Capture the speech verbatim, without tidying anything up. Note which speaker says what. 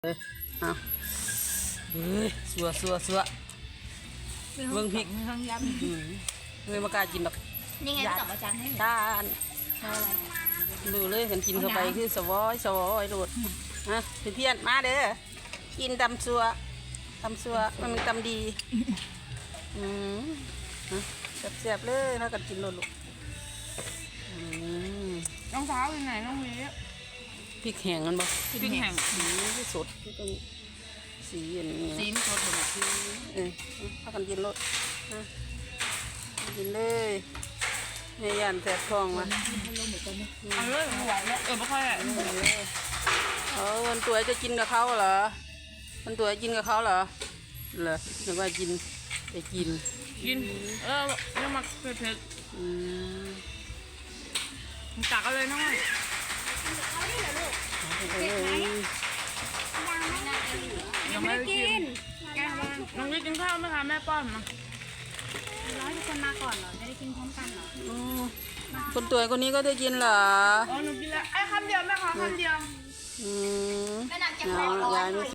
Speaker 1: เลยเอาเฮ้ยสัวสัวสัวเบิ่งพริก
Speaker 2: ห้องย
Speaker 1: อืมเลยมากล้ากินดอก
Speaker 2: ำนี่ไงสองอาจารย์ให้
Speaker 1: ทานดูเลยกันกินเข้าไปคือสวอยสวอยโดดนะเพื่อนๆมาเด้อกินตำสัวตำสัวมันมีตำดีอืมแซ่บๆเลยถ้ากันกินโลดลูกอืม
Speaker 3: รองเท้าอยู่ไหนน้องวี
Speaker 1: พริกแห้งกันบ่
Speaker 3: พริกแห้ง
Speaker 1: สีที่สดที่ต้องสีอย่างนี้
Speaker 3: สี
Speaker 1: นะ
Speaker 3: มันสดเลย
Speaker 1: เออพากันกินรสนะกินเลยแม่ยันแสบท้องมา
Speaker 3: เอาเลยไม่ไหวแล้วเออไม่ค่อยอะ
Speaker 1: เออวันตัวจะกินกับเขาเหรอวันตัวกินกับเขาเหรอเหรอนึกว่ากินไปกิน
Speaker 3: กินเออยังมาเผ็ด
Speaker 1: อืม
Speaker 3: ๆตักเอาเลยน้อง
Speaker 1: เออ
Speaker 3: ยังไม่ได้กินน้องวีกินข้าวไหมคะแม่ป้อนมา
Speaker 2: ร้อยทุกคนมาก่อนเหรอไม่ได้กินพร้อมกันเหรอ
Speaker 1: อืมคนตัวคนนี้ก็ได้กินเหรอ
Speaker 3: อ๋อหนูกินแล้วไอ้คำเดียวแม่ขอคำเดียว
Speaker 1: อืม
Speaker 2: แม่นางจะ
Speaker 1: เอา
Speaker 2: ไม่ร้อย
Speaker 1: ยายไม่